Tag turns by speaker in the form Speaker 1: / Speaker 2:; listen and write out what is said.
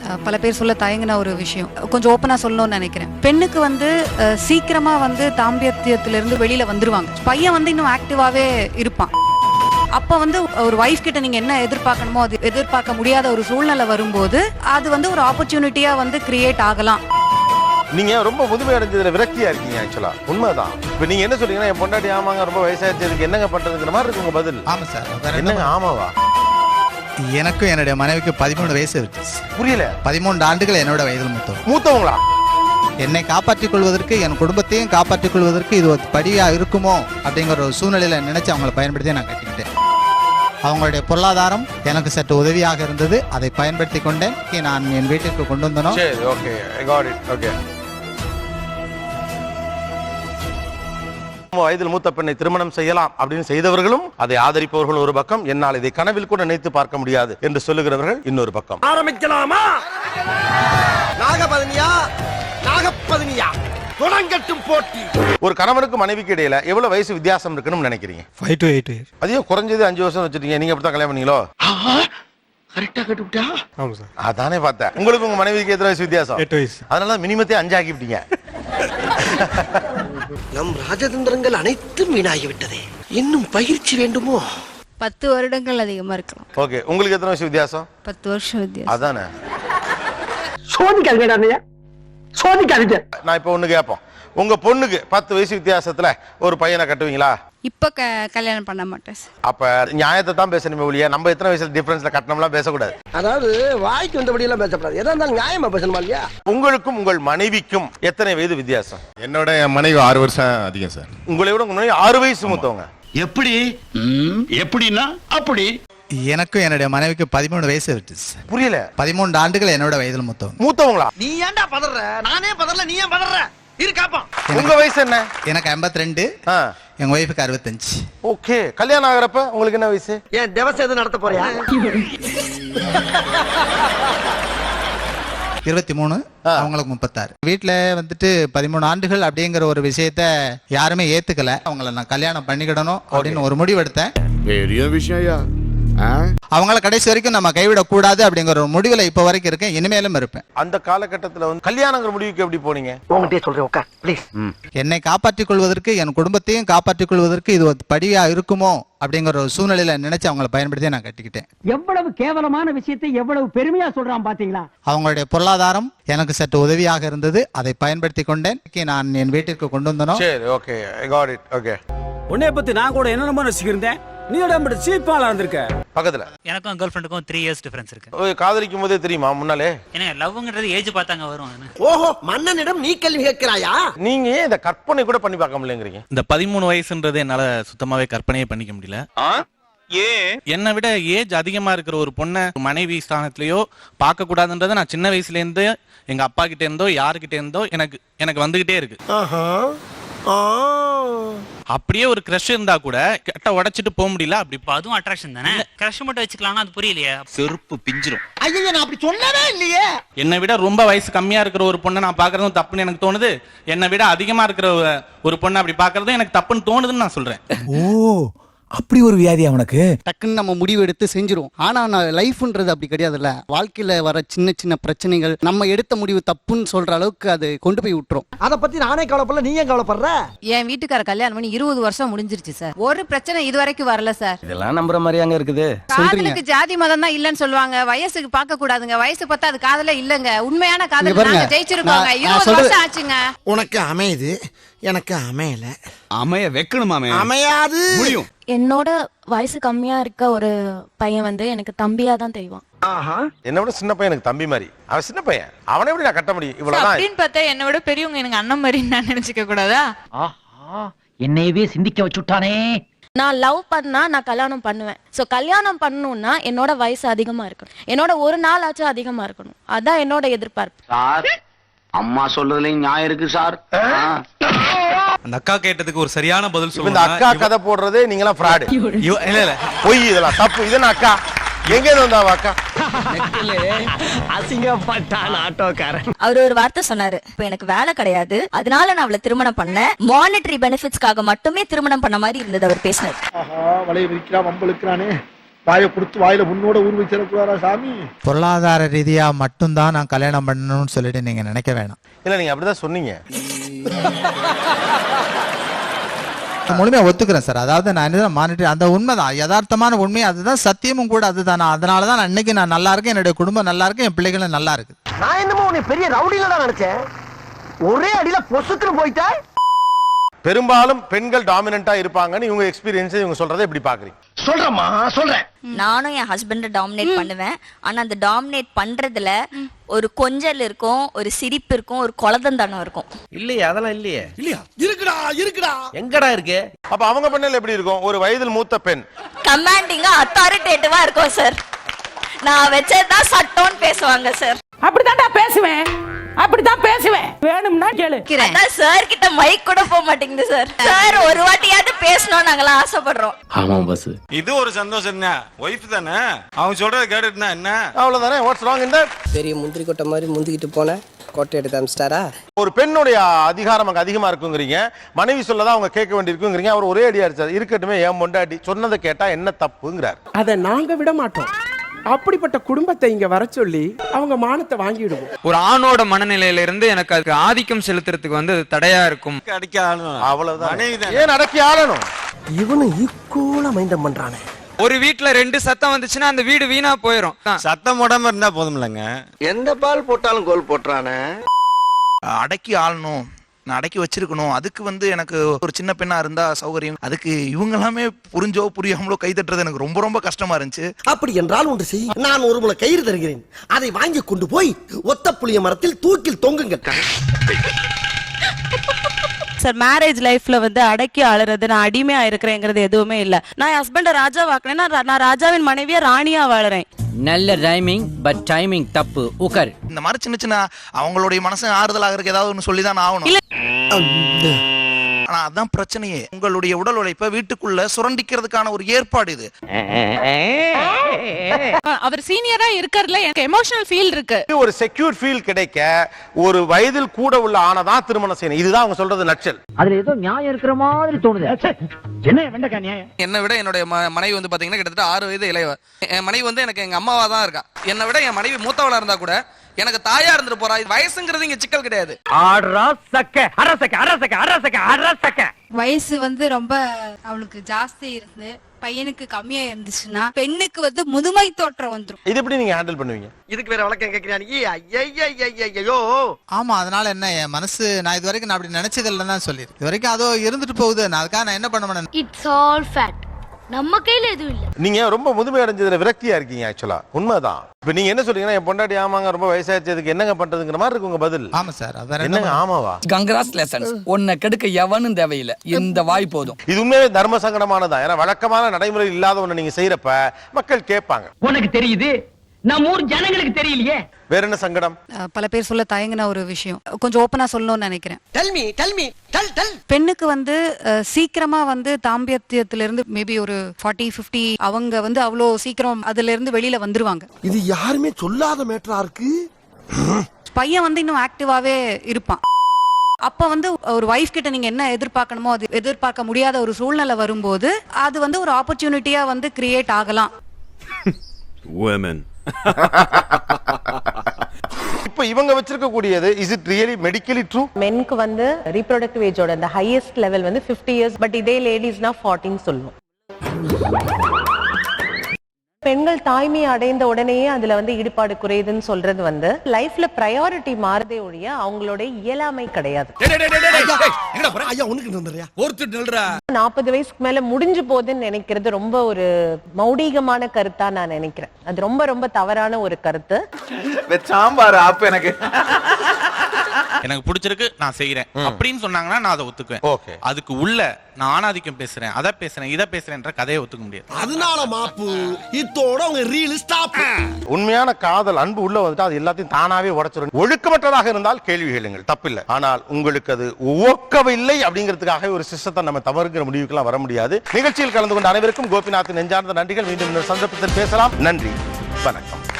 Speaker 1: பல பேர் சொல்ல தயங்கின ஒரு விஷயம், கொஞ்சம் ஓப்பனா சொல்லணும்னு நினைக்கிறேன். பெண்ணுக்கு வந்து சீக்கிரமா வந்து தாம்பத்தியத்திலிருந்து வெளியில வந்துருவாங்க. பையன் வந்து இன்னும் ஆக்டிவாவே இருப்பான். அப்ப வந்து ஒரு வைஃப் கிட்ட நீங்க என்ன எதிர்பார்க்கணுமோ அது எதிர்பார்க்க முடியாத ஒரு சூழ்நிலை வரும்போது அது வந்து ஒரு ஆப்பர்ச்சுனிட்டியா வந்து கிரியேட் ஆகலாம்.
Speaker 2: நீங்க ரொம்ப முதுமை அடைஞ்சதுல விரக்தியா இருக்கீங்க. ஆக்சுவலா உண்மைதான். இப்ப நீங்க என்ன சொல்றீங்கன்னா என் பொண்டாட்டி ஆமாங்க ரொம்ப வயசாயிடுச்சு என்னங்க பண்றதுங்கிற மாதிரி இருக்கு உங்க பதில்.
Speaker 3: ஆமா சார்.
Speaker 2: என்னங்க ஆமாவா?
Speaker 3: எனக்கும் என்னுடைய மனைவிக்கு 13 வயசு இருக்கு.
Speaker 2: புரியல.
Speaker 3: 13 ஆண்டுகள் என்னோட வயதில்
Speaker 2: மூத்தவங்களா?
Speaker 3: என்னை காப்பாற்றிக் கொள்வதற்கு என் குடும்பத்தையும் காப்பாற்றிக் கொள்வதற்கு இது ஒரு படியா இருக்குமோ அப்படிங்கிற ஒரு சூழ்நிலையில நினைச்சு அவங்களை பயன்படுத்தி நான் கட்டிக்கிட்டேன். அவங்களுடைய பொருளாதாரம் எனக்கு சற்று உதவியாக இருந்தது. அதை பயன்படுத்தி கொண்டேன். நான் என் வீட்டிற்கு கொண்டு வந்தோம்.
Speaker 2: வயதில் மூத்த பெண்ணை திருமணம் செய்யலாம் அப்படின்னு செய்தவர்களும் அதை ஆதரிப்பவர்கள் ஒரு பக்கம், என்னால் இதை கனவில் கூட நினைத்து பார்க்க முடியாது என்று சொல்லுகிறவர்கள் இன்னொரு பக்கம். ஆரம்பிக்கலாமா? நாகபதனியா நாகப்பதனியா தொடங்கட்டும் போட்டி. ஒரு கணவனுக்கு மனைவிக்கு இடையில எவ்வளவு வயசு வித்தியாசம் இருக்குன்னு நினைக்கிறீங்க?
Speaker 3: 5 to 8 years.
Speaker 2: அதையும் குறைஞ்சது 5 வருஷம் வச்சிருக்கீங்க. நீங்க எப்படிதான் கல்யாணம் பண்ணீங்களோ? கரெக்டா கட்டுப்பிட்டா? ஆமா சார். அதானே பார்த்தேன். உங்களுக்கு உங்க மனைவிக்கு எத்தனை வயசு வித்தியாசம்?
Speaker 3: 8 வயசு.
Speaker 2: அதனால மினிமத்தை 5 ஆக்கிவிட்டீங்க.
Speaker 4: நம் ராஜதந்திரங்கள் அனைத்தும் வீணாகிவிட்டதே. இன்னும் பயிற்சி வேண்டுமோ?
Speaker 5: 10 வருடங்கள் அதிகமா இருக்கலாம்.
Speaker 2: ஓகே, உங்களுக்கு எத்தனை வயசு வித்தியாசம்?
Speaker 5: 10 வருஷம் வித்தியாசம்.
Speaker 2: அதானே.
Speaker 4: சோதிக்காதீங்க, சோதிக்காதீங்க.
Speaker 2: நான் இப்ப ஒண்ணு கேட்போம். உங்க பொண்ணுக்கு 10 வயசு வித்தியாசத்துல ஒரு பையனை கட்டுவீங்களா?
Speaker 5: இப்ப கல்யாணம் பண்ண மாட்டேன்.
Speaker 2: அப்ப நியாயத்தை தான் பேசணுமே ஒழிய நம்ம எத்தனை வயசுல டிஃபரன்ஸ்ல கட்டணம்லாம் பேசக்கூடாது.
Speaker 4: அதாவது வாய்க்கு வந்தபடி எல்லாம் பேசக்கூடாது. எதா இருந்தாலும் நியாயமா பேசணுமா இல்லையா?
Speaker 2: உங்களுக்கும் உங்கள் மனைவிக்கும் எத்தனை வயது வித்தியாசம்?
Speaker 6: என்னோட மனைவி 6 வருஷம் அதிகம் சார்.
Speaker 2: உங்களை விட உங்க மனைவி 6 வயசு மூத்தவங்க.
Speaker 7: எப்படி? எப்படின்னா அப்படி.
Speaker 3: எனக்கும் என்னுடைய மனைவிக்கு 13 வயசு இருக்கு.
Speaker 2: புரியல.
Speaker 3: 13 ஆண்டுகள் என்னோட வயதில்
Speaker 2: மூத்தவங்களா?
Speaker 4: நீ ஏன்டா பதற? நானே பதறல, நீ ஏன் பதற? இருக்காப்பா.
Speaker 2: உங்க வயசு என்ன?
Speaker 3: எனக்கு 52. எங்க ஒய்ஃபுக்கு 65.
Speaker 2: ஓகே. கல்யாணம் ஆகிறப்ப உங்களுக்கு என்ன வயசு?
Speaker 4: ஏன் திவசம் எதுவும் நடத்த போறியா?
Speaker 3: 23. அவங்களுக்கு 36. வீட்டுல வந்துட்டு 13 ஆண்டுகள் அப்படிங்கிற ஒரு விஷயத்த யாருமே ஏத்துக்கல. அவங்கள நான் கல்யாணம் பண்ணிக்கிடணும் அப்படின்னு ஒரு முடிவு எடுத்தேன்.
Speaker 6: பெரிய விஷயம்.
Speaker 3: அவங்கள கடைசி வரைக்கும் நம்ம கைவிடக் கூடாது அப்படிங்கிற ஒரு முடிவுல இப்ப வரைக்கும் இருக்கேன். இனிமேலும் இருப்பேன்.
Speaker 2: அந்த காலகட்டத்துல வந்து கல்யாணங்கிற முடிவுக்கு எப்படி போனீங்க?
Speaker 4: உங்ககிட்ட சொல்றேன், உட்கார் ப்ளீஸ்.
Speaker 3: என்னை காப்பாற்றிக் கொள்வதற்கு என் குடும்பத்தையும் காப்பாற்றிக் கொள்வதற்கு இது ஒரு படியா இருக்குமோ அப்படிங்கிற ஒரு சூழ்நிலையில நினைச்சு அவங்களை பயன்படுத்தி நான் கட்டிக்கிட்டேன்.
Speaker 8: எவ்வளவு கேவலமான விஷயத்தை எவ்வளவு பெருமையா சொல்றான் பாத்தீங்களா?
Speaker 3: அவங்களுடைய பொருளாதாரம் எனக்கு சற்று உதவியாக இருந்தது. அதை பயன்படுத்தி கொண்டேன். நான் என் வீட்டிற்கு கொண்டு வந்தோம்.
Speaker 2: சரி, okay, I got it. Okay.
Speaker 8: உன்னை பத்தி நான் கூட என்னென்னமோ நினைச்சிருந்தேன். நீ உடம்பு சீப்பாலா இருந்திருக்க.
Speaker 2: பக்கத்துல
Speaker 9: எனக்கும் கேர்ள் ஃப்ரெண்டுக்கும் 3 இயர்ஸ் டிஃபரன்ஸ் இருக்கு.
Speaker 2: காதலிக்கும் போதே தெரியுமா முன்னாலே?
Speaker 9: ஏன்னா லவ்ங்கிறது ஏஜ் பார்த்தாங்க வரும்.
Speaker 4: ஓஹோ, மன்னனிடம் நீ கேள்வி கேட்கிறாயா?
Speaker 2: நீங்க ஏன் இந்த கற்பனை கூட பண்ணி பார்க்க முடியலங்கிறீங்க?
Speaker 10: இந்த 13 வயசுன்றது என்னால சுத்தமாவே கற்பனையே பண்ணிக்க முடியல. என்னை விட ஏஜ் அதிகமா இருக்கிற ஒரு பொண்ணை மனைவி ஸ்தானத்திலயோ பார்க்க கூடாதுன்றத நான் சின்ன வயசுல இருந்து எங்க அப்பா கிட்ட இருந்தோ யாருகிட்ட இருந்தோ எனக்கு வந்துகிட்டே இருக்கு. அப்படியே ஒரு கிரஷ் இருந்தா கூட கட்ட உடைச்சிட்டு போக முடியல. அப்படி
Speaker 9: அதுவும் அட்ராக்ஷன் தானே. கிரஷ் மட்டும் வச்சுக்கலாம், அது புரியலையா?
Speaker 7: செருப்பு பிஞ்சிரும்.
Speaker 4: ஐயோ, நான் அப்படி சொல்லவே இல்லையே.
Speaker 10: என்னை விட ரொம்ப வயசு கம்மியா இருக்கிற ஒரு பொண்ணை நான் பாக்குறதும் தப்புன்னு எனக்கு தோணுது. என்னை விட அதிகமா இருக்கிற ஒரு பொண்ணை அப்படி பாக்குறதும் எனக்கு தப்புன்னு தோணுதுன்னு நான் சொல்றேன்.
Speaker 8: ஓ, அப்படி ஒரு வியாதி அவனுக்கு.
Speaker 11: டக்குன்னு நம்ம முடிவு எடுத்து செஞ்சிருவோம். ஆனா லைஃப்ன்றது அப்படி கிடையாதுல்ல. வாழ்க்கையில வர சின்ன சின்ன பிரச்சனைகள் நம்ம எடுத்த முடிவு தப்புன்னு சொல்ற அளவுக்கு அது கொண்டு போய் விட்டுரும்.
Speaker 4: அத பத்தி நானே கவலைப்படல, நீ ஏன் கவலைப்படுற?
Speaker 5: என் வீட்டுக்கார கல்யாணம் பண்ணி 20 வருஷம் முடிஞ்சிருச்சு சார். ஒரு பிரச்சனை இது வரைக்கும் வரல சார்.
Speaker 8: இதெல்லாம் நம்புற மாதிரி அங்க இருக்குது.
Speaker 5: காதலுக்கு ஜாதி மதம் தான் இல்லன்னு சொல்லுவாங்க. வயசுக்கு பார்க்க கூடாதுங்க. வயசு பார்த்தா அது காதல இல்லங்க. உண்மையான காதல் நாங்க ஜெயிச்சிருக்கோங்க. 20 வருஷம் ஆச்சுங்க.
Speaker 4: உனக்கு அமையுது, எனக்கு அமையல.
Speaker 7: அமைய வைக்கணுமாமே.
Speaker 4: அமையாது.
Speaker 7: முடியும்.
Speaker 5: என்னோட வயசு கம்மியா இருக்க ஒரு பையன் வந்து எனக்கு தம்பியா தான் தெரியும்.
Speaker 2: என்ன விட சின்ன பையன் எனக்கு தம்பி மாதிரி. அவன் சின்ன பையன், அவனை எப்படி நான் கட்ட முடியும்? இவ்வளவுதான்
Speaker 5: அப்படின்னு பார்த்தா என்னை விட பெரியவங்க எனக்கு அண்ணன் மாதிரி நான் நினைச்சுக்க கூடாதா?
Speaker 8: என்னையவே சிந்திக்க வச்சுட்டானே.
Speaker 5: நான் லவ் பண்ணா நான் கல்யாணம் பண்ணுவேன். சோ கல்யாணம் பண்ணணும்னா என்னோட வயசு அதிகமா இருக்கணும். என்னோட ஒரு நாள் ஆச்சும் அதிகமா இருக்கணும். அதான் என்னோட எதிர்பார்ப்பு.
Speaker 7: சார், அம்மா சொல்றதுலயும் நியாயம் இருக்கு சார்.
Speaker 10: அந்த அக்கா கேட்டதுக்கு ஒரு சரியான பதில்
Speaker 2: சொல்லுங்க. இந்த அக்கா கதை போடுறதே நீங்களாம் ஃப்ராட். இல்ல பொய், இதெல்லாம் தப்பு. இது நான் அக்கா எங்க இருந்து வந்தாவா அக்கா?
Speaker 8: அசிங்கப்பட்டான் ஆட்டோக்காரன்.
Speaker 5: அவர் ஒரு வார்த்தை சொன்னாரு, இப்ப எனக்கு வேலை கிடையாது, அதனால நான் அவளை திருமணம் பண்ணேன். மானிட்டரி பெனிஃபிட்ஸ்க்காக மட்டுமே திருமணம் பண்ண மாதிரி இருந்தது அவர் பேசினது.
Speaker 4: வலைய விரிக்கிறா, வம்பளுக்குறானே. வாயை கொடுத்து வாயில முன்னோட ஊர் வச்சிடக்கூடாதா சாமி?
Speaker 3: பொருளாதார ரீதியா மட்டும்தான் நான் கல்யாணம் பண்ணணும்னு சொல்லிட்டு நீங்க நினைக்க வேணாம்.
Speaker 2: இல்ல நீங்க அப்படிதான் சொன்னீங்க.
Speaker 3: முழுமையா ஒத்துக்கிறேன் சார். அதாவது நான் என்ன மானிட்டர் அந்த உண்மைதான், யதார்த்தமான உண்மை அதுதான், சத்தியமும் கூட அதுதான். அதனாலதான் நான் இன்னைக்கு நான் நல்லா இருக்கேன், என்னுடைய குடும்பம் நல்லா இருக்கு, என் பிள்ளைகளும் நல்லா இருக்கு.
Speaker 4: நான் என்னமோ உன்னை பெரிய ரவுடில தான் நினைச்சேன். ஒரே அடியில பொசுக்குன்னு போயிட்டா.
Speaker 2: பெரும்பாலும் பெண்கள் டாமினண்டா இருப்பாங்கன்னு இவங்க எக்ஸ்பீரியன்ஸ் இவங்க சொல்றதை எப்படி பாக்குறீங்க?
Speaker 4: சொல்றேம்மா சொல்றேன்.
Speaker 5: நானும் என் ஹஸ்பண்ட டாமினேட் பண்ணுவேன். ஆனா அந்த டாமினேட் பண்றதுல ஒரு கொஞ்சல் இருக்கும், ஒரு சிரிப்பு இருக்கும், ஒரு குலதந்தானம் இருக்கும்.
Speaker 4: இல்லையே, அதெல்லாம் இல்லையே. இல்லையா? இருக்குடா எங்கடா இருக்கு?
Speaker 2: அப்ப அவங்க பண்ணல எப்படி இருக்கும்? ஒரு வயதில் மூத்த பெண்
Speaker 5: கமாண்டிங்கா அத்தாரிட்டேட்டிவா இருக்கும் சார். நான் வச்சதுதான் சட்டம்னு பேசுவாங்க சார்.
Speaker 8: அப்படித்தான்டா பேசுவேன், அப்படித்தான் பேசுவேன். வேணும்னா கேளு.
Speaker 5: அதான் சார் கிட்ட மைக் கூட போக மாட்டேங்குது சார். சார் ஒரு வாட்டியாவது பேசணும் நாங்களாம் ஆசைப்படுறோம்.
Speaker 7: ஆமா பாஸ்.
Speaker 8: இது ஒரு சந்தோஷம் தான். ஒய்ஃப் தானே, அவங்க சொல்றத கேட்டுட்டுனா என்ன?
Speaker 2: அவ்வளவுதானே. What's wrong in that?
Speaker 4: பெரிய முந்திரி கொட்டை மாதிரி முந்திக்கிட்டு போன கோட்டை எடுத்து அமிச்சிட்டாரா?
Speaker 2: ஒரு பெண்ணுடைய அதிகாரம் அங்க அதிகமா இருக்குங்கிறீங்க, மனைவி சொல்லதான் அவங்க கேட்க வேண்டியிருக்குங்கிறீங்க. அவர் ஒரே அடியா அடிச்சார். இருக்கட்டுமே, ஏன் பொண்டாட்டி சொன்னதை கேட்டா என்ன தப்புங்கிறார்.
Speaker 8: அதை நாங்க விட மாட்டோம். அப்படிப்பட்ட குடும்பத்தை இங்க வர சொல்லி அவங்க மானத்தை வாங்கிடுவோம்.
Speaker 10: ஒரு ஆணோட மனநிலையில இருந்து எனக்கு அதுக்கு ஆதிக்கம் செலுத்துறதுக்கு வந்து தடையா இருக்கும்.
Speaker 8: அடக்கி ஆளணும்.
Speaker 2: அவ்வளவுதான். ஏன் அடக்கி ஆளணும்?
Speaker 4: இவனு ஈக்குவலா மைண்டம் பண்றானே.
Speaker 10: ஒரு வீட்டுல 2 சத்தம் வந்துச்சுன்னா அந்த வீடு வீணா போயிரும்.
Speaker 8: சத்தம் போடாம இருந்தா போதும்லங்க.
Speaker 4: எந்த பால் போட்டாலும் கோல் போட்டுறானே.
Speaker 10: அடக்கி ஆளணும், நான் அடக்கி வச்சிருக்கணும். அதுக்கு வந்து எனக்கு ஒரு சின்ன பெண்ணா இருந்தா சௌகரியம். அதுக்கு இவங்க எல்லாமே புரிஞ்சோ புரியாமலோ கை தட்டுறது எனக்கு ரொம்ப ரொம்ப கஷ்டமா இருந்துச்சு.
Speaker 4: அப்படி என்றால் ஒன்று செய். நான் ஒரு முளை கயிறு தருகிறேன், அதை வாங்கி கொண்டு போய் ஒத்த புளிய மரத்தில் தூக்கில் தொங்குங்க.
Speaker 5: சார் மேரேஜ் லைஃப்ல வந்து அடக்கி ஆளுறது, நான் அடிமையா இருக்கிறேங்கிறது எதுவுமே இல்ல. நான் என் ஹஸ்பண்ட ராஜா வாக்குறேன்னா நான் ராஜாவின் மனைவியா ராணியா வாழறேன்.
Speaker 8: நல்ல ரைமிங் பட் டைமிங் தப்பு. உக்கர்.
Speaker 10: இந்த மாதிரி சின்ன சின்ன அவங்களுடைய மனசு ஆறுதலாக இருக்கு ஏதாவது ஒன்று சொல்லிதான் ஆகணும். ஆனா அதான் பிரச்சனையே. உங்களுடைய உடல் உழைப்பை வீட்டுக்குள்ள சுரண்டிக்கிறதுக்கான ஒரு ஏற்பாடு இது.
Speaker 5: அவர் சீனியரா இருக்கறதுல எனக்கு எமோஷனல் ஃபீல் இருக்கு.
Speaker 2: ஒரு செக்யூர் ஃபீல் கிடைக்க ஒரு வயதில் கூட உள்ள ஆனதான் திருமணம் செய்யணும். இதுதான் அவங்க சொல்றது நச்சல்.
Speaker 4: அதுல ஏதோ நியாயம் இருக்கிற மாதிரி தோணுது. என்ன வெண்டக்கா நியாயம்?
Speaker 10: என்னை விட என்னுடைய மனைவி வந்து பாத்தீங்கன்னா கிட்டத்தட்ட 6 வயது இளையவ. என் மனைவி வந்து எனக்கு எங்க அம்மாவா தான் இருக்கா. என்னை விட என் மனைவி மூத்தவளா இருந்தா கூட எனக்கு தாயா இருந்துட்டு போறா. வயசுங்கிறது இங்க சிக்கல் கிடையாது.
Speaker 1: வயசு வந்து ரொம்ப அவளுக்கு ஜாஸ்தி இருந்து பையனுக்கு கம்மியா இருந்துச்சுன்னா பெண்ணுக்கு வந்து முதுமை தோற்றம் வந்துரும்.
Speaker 2: இது எப்படி நீங்க ஹேண்டில் பண்ணுவீங்க?
Speaker 4: இதுக்கு வேற வழக்கம் கேக்குறானீங்க.
Speaker 3: ஆமா, அதனால என்ன, என் மனசு நான் இது வரைக்கும் நான் அப்படி நினைச்சது இல்லைன்னு தான் சொல்லிருக்கு. இது வரைக்கும் அதோ இருந்துட்டு போகுது. நான் அதுக்காக நான் என்ன பண்ண மாட்டேன்.
Speaker 5: It's all fate. நம்ம கையில எதுவும் இல்ல.
Speaker 2: நீங்க ரொம்ப முதுமை அடைஞ்சதுல விரக்தியா இருக்கீங்க. ஆக்சுவலா உண்மைதான். இப்ப நீங்க என்ன சொல்றீங்கன்னா, என் பொண்டாட்டி ஆமாங்க ரொம்ப வயசாச்சதுக்கு என்னங்க பண்றதுங்கிற மாதிரி இருக்கு உங்க பதில்.
Speaker 3: ஆமா சார், அதான்
Speaker 2: என்னங்க ஆமாவா?
Speaker 8: கங்க்ராச்சுலேஷன்ஸ். உன்னை கெடுக்க எவனும் தேவையில்லை, இந்த வாய் போதும்.
Speaker 2: இது உண்மையே தர்ம சங்கடமானதா. ஏன்னா வழக்கமான நடைமுறை இல்லாத ஒண்ணு நீங்க செய்யறப்ப மக்கள் கேட்பாங்க.
Speaker 4: உனக்கு தெரியுது, நம்ம ஊர் ஜனங்களுக்கு தெரியலையே.
Speaker 2: வேற என்ன சங்கடம்?
Speaker 1: பல பேர் சொல்ல தயங்கின ஒரு விஷயம் கொஞ்சம் ஓப்பனா சொல்லணும்னு நினைக்கிறேன். பெண்ணுக்கு வந்து சீக்கிரமா வந்து தாம்பத்தியத்துல இருந்து மேபி ஒரு 40-50 அவங்க வந்து அவ்வளோ சீக்கிரம் அதுல இருந்து வெளியில வந்துருவாங்க.
Speaker 4: இது யாருமே சொல்லாத மேட்டரா இருக்கு.
Speaker 1: பையன் வந்து இன்னும் ஆக்டிவாவே இருப்பான். அப்ப வந்து ஒரு வைஃப் கிட்ட நீங்க என்ன எதிர்பார்க்கணுமோ அது எதிர்பார்க்க முடியாத ஒரு சூழ்நிலை வரும்போது அது வந்து ஒரு ஆப்பர்ச்சுனிட்டியா வந்து கிரியேட் ஆகலாம்.
Speaker 2: இப்ப இவங்க வச்சிருக்க கூடியது is it really medically true?
Speaker 5: மென்க்கு வந்து ரீப்ரொடக்டிவ் ஏஜோட அந்த ஹையஸ்ட் லெவல் வந்து 50 இயர்ஸ். பட் இதே லேடிஸ்னா 14 சொல்லுவோம். பெண்கள் தாய்மை அடைந்த உடனேயே அதுல வந்து ஈடுபாடு குறையுதுன்னு சொல்றது வந்து லைஃப்ல பிரையாரிட்டி மாறுதே ஒழிய அவங்களோட இயலாமை கிடையாது. 40 வயசுக்கு மேல முடிஞ்சு போகுதுன்னு நினைக்கிறது ரொம்ப ஒரு மௌடிகமான கருத்தா நான் நினைக்கிறேன். அது ரொம்ப ரொம்ப தவறான ஒரு கருத்து.
Speaker 10: சாம்பார் ஆப் எனக்கு பிடிச்சிருக்கு நான் செய்யறேன் அப்படின்னு சொன்னாங்கன்னா நான் அதை ஒத்துக்குவேன்.
Speaker 2: ஓகே,
Speaker 10: அதுக்கு உள்ள நான் ஆணாதிக்கம் பேசுறேன், அதை பேசுறேன், இதை பேசுறேன்ற கதையை ஒத்துக்க முடியாது.
Speaker 4: அதனால மாப்பு இத்தோட அவங்க ரீல் ஸ்டாப்.
Speaker 2: உண்மையான காதல் அன்பு உள்ள வந்துட்டா அது எல்லாத்தையும் தானாவே உடைச்சிடும். ஒழுக்கமற்றதாக இருந்தால் கேள்வி கேளுங்கள், தப்பில்லை. ஆனால் உங்களுக்கு அது ஒக்கவில்லை அப்படிங்கிறதுக்காக ஒரு சிஸ்டத்தை நம்ம தவறுங்கிற முடிவுக்கெல்லாம் வர முடியாது. நிகழ்ச்சியில் கலந்து கொண்ட அனைவருக்கும் கோபிநாத் நெஞ்சார்ந்த நன்றிகள். மீண்டும் சந்தர்ப்பத்தில் பேசலாம். நன்றி, வணக்கம்.